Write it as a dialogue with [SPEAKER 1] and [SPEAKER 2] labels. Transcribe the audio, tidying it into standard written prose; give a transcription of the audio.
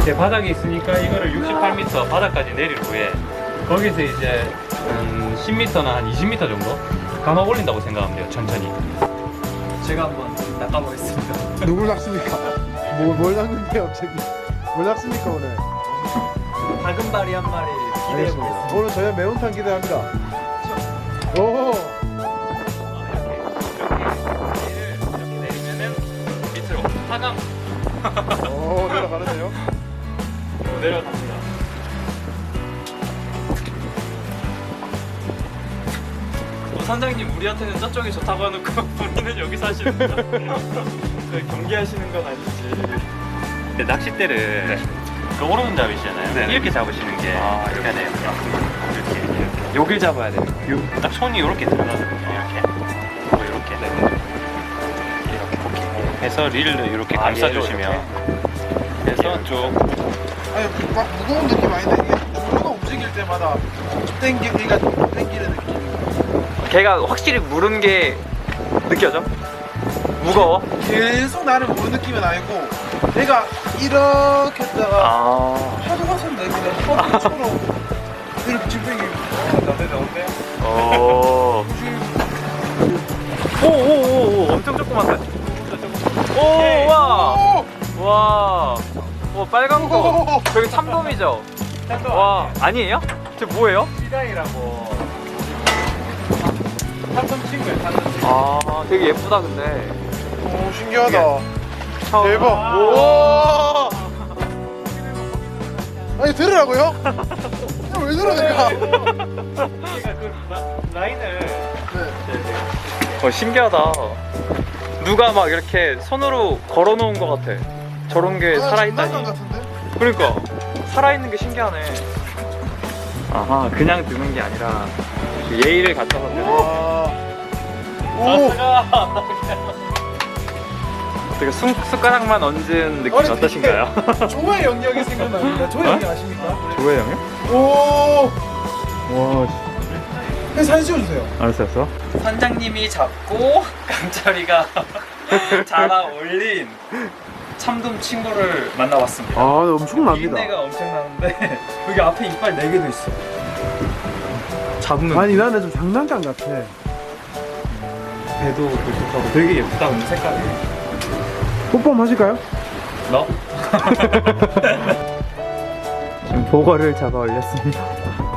[SPEAKER 1] 밑에 바닥이 있으니까 이거를 68m 바닥까지 내릴 후에 거기서 이제 10m나 한 20m 정도 감아 올린다고 생각하면 돼요. 천천히.
[SPEAKER 2] 제가 한번 낚아보겠습니다.
[SPEAKER 3] 누굴 낚습니까? 뭘 낚는데요 갑자기? 뭘 낚습니까 오늘?
[SPEAKER 2] 다금바리 한 마리 기대해보겠습니다.
[SPEAKER 3] 오늘 저희 매운탕 기대합니다. 오.
[SPEAKER 1] 이렇게 내리면은 밑으로 하강
[SPEAKER 3] 오 내려가는데요?
[SPEAKER 1] 내려갑니다.
[SPEAKER 2] 선장님 우리한테는 저쪽이 좋다고 해놓고 본인은 여기서 하시는 거야? 경기하시는 건 아니지.
[SPEAKER 1] 근데 낚싯대를 그 오른손잡이시잖아요.
[SPEAKER 2] 네.
[SPEAKER 1] 이렇게 잡으시는 게 편해요. 이렇게.
[SPEAKER 2] 여길 잡아야 돼요.
[SPEAKER 1] 딱 손이 이렇게 들어가거든요. 이렇게. 이렇게. 이렇게 해서 릴을 이렇게 감싸주시면 해서 쭉.
[SPEAKER 3] 아니 막 무거운 느낌 아닌데 이게 중도가 움직일 때마다 땡기기가 땡기는 느낌.
[SPEAKER 2] 걔가 확실히 무른 게 느껴져? 무거워?
[SPEAKER 3] 계속 나를 모르는 느낌은 아니고 내가 이렇게 했다가 파도 갔었는데 그냥 파도처럼 이렇게 지금
[SPEAKER 2] 오오오오 엄청 조그맣다. 오 와. 와. 오 빨간 거. 저기 참돔이죠? 와 아니에요? 저 뭐예요?
[SPEAKER 1] 시다이라고 삼성 친구예요. 삼성 친구.
[SPEAKER 2] 아 되게 예쁘다 근데.
[SPEAKER 3] 오 신기하다.
[SPEAKER 2] 처음.
[SPEAKER 3] 대박. 오. 아니 들으라고요? 왜 들으니까?
[SPEAKER 1] 얘가 그 라인을
[SPEAKER 2] 신기하다. 누가 막 이렇게 손으로 걸어놓은 것 같아. 저런 게 살아있다니.
[SPEAKER 3] 같은데?
[SPEAKER 2] 그러니까 살아있는 게 신기하네. 아하 그냥 드는 게 아니라 예의를 갖춰서 드는.
[SPEAKER 3] 와. 오.
[SPEAKER 2] 되게 숟가락만 얹은 느낌
[SPEAKER 3] 아니,
[SPEAKER 2] 어떠신가요?
[SPEAKER 3] 조의 영역이 생각납니다. 조의 영역 아십니까?
[SPEAKER 2] 조회 형이요?
[SPEAKER 3] 오.
[SPEAKER 2] 와
[SPEAKER 3] 사진 찍어주세요.
[SPEAKER 2] 알았어.
[SPEAKER 4] 선장님이 잡고 강철이가 잡아 올린 참돔 친구를 만나봤습니다.
[SPEAKER 3] 아 엄청납니다.
[SPEAKER 4] 비린내가 엄청나는데 여기 앞에 이빨 4개도 있어. 잡으면
[SPEAKER 3] 아니 나는 좀 장난감 같아.
[SPEAKER 4] 배도 굵직하고 되게 예쁘다 근데 색깔이.
[SPEAKER 3] 뽀뽀 한번 하실까요?
[SPEAKER 4] 너?
[SPEAKER 2] 지금 보거를 잡아 올렸습니다.